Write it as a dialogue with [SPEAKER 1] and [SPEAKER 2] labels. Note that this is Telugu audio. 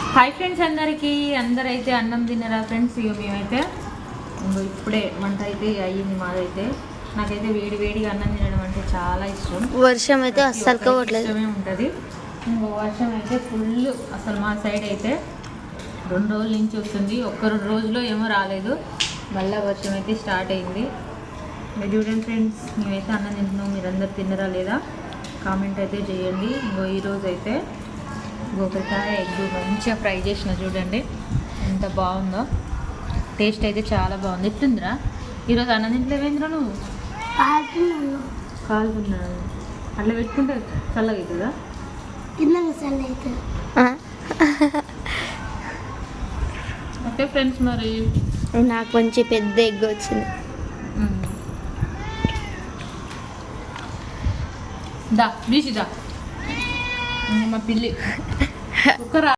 [SPEAKER 1] హాయ్ ఫ్రెండ్స్, అందరైతే అన్నం తిన్నారా ఫ్రెండ్స్? ఇక మేమైతే ఇప్పుడే వంట అయితే అయ్యింది మాదైతే. నాకైతే వేడిగా అన్నం తినడం అంటే చాలా ఇష్టం.
[SPEAKER 2] వర్షం అయితే అస్సలు కావట్లేదు,
[SPEAKER 1] ఉంటుంది. ఇంకో వర్షం అయితే ఫుల్, అసలు మా సైడ్ అయితే 2 రోజుల నుంచి వస్తుంది. 1-2 రోజుల్లో ఏమో రాలేదు, మళ్ళీ వర్షం అయితే స్టార్ట్ అయింది. మీరు చూడండి ఫ్రెండ్స్, మేమైతే అన్నం తింటున్నాం. మీరందరు తిన్నరా లేదా కామెంట్ అయితే చేయండి. ఇంకో ఈరోజు అయితే గోకరకాయ ఎగ్ మంచిగా ఫ్రై చేసిన, చూడండి ఎంత బాగుందో. టేస్ట్ అయితే చాలా బాగుంది. ఎట్లుందిరా ఈరోజు అన్నం తింటలేవేంద్రా నువ్వు? కాలుతున్నాను. అట్లా పెట్టుకుంటే చల్లగా అవుతుందా? ఓకే ఫ్రెండ్స్, మరి
[SPEAKER 2] నాకు కొంచెం పెద్ద ఎగ్ వచ్చింది.
[SPEAKER 1] దా బీసి దా, మా పిల్లి కుక్కరా.